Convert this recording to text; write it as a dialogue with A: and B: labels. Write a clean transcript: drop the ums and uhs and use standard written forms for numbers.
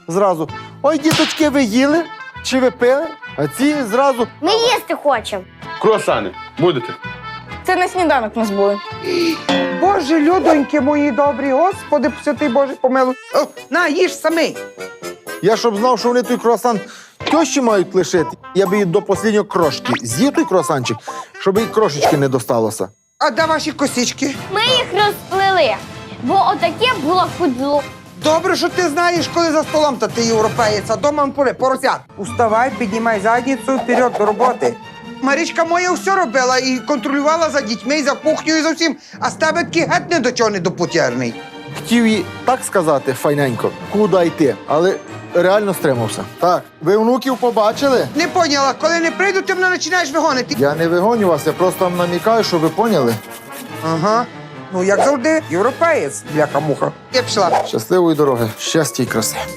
A: зразу. Ой, діточки, ви їли? Чи ви пили? А ці зразу.
B: Ми їсти хочемо.
C: Круасани. Будете?
D: Це на сніданок у нас були.
E: Боже, людоньки мої добрі, Господи, святий Боже, помилуй. О, на, їж самий.
A: Я щоб знав, що вони той круасан тещі мають лишити, я би її до останнього крошки з'їв той круасанчик, щоб їй крошечки не досталося.
E: А де ваші косички?
B: Ми їх розплели, бо отаке було фудло.
E: Добре, що ти знаєш, коли за столом та ти європеєць, а дома поросят. Уставай, піднімай задницю, вперед до роботи. Марічка моя все робила і контролювала за дітьми, і за кухнею, і за всім. А з тебе такий геть не до чого не допутєрний.
A: Хотів їй так сказати файненько, куди йти, але реально стримався. Так, ви внуків побачили?
E: Не поняла, коли не прийду, ти мене починаєш вигонити.
A: Я не вигоню вас, я просто вам намікаю, щоб ви поняли.
E: Ага. Ну, як завжди, європеєць, бляха-муха. Я пішла.
A: Щасливої дороги, щастя і краси.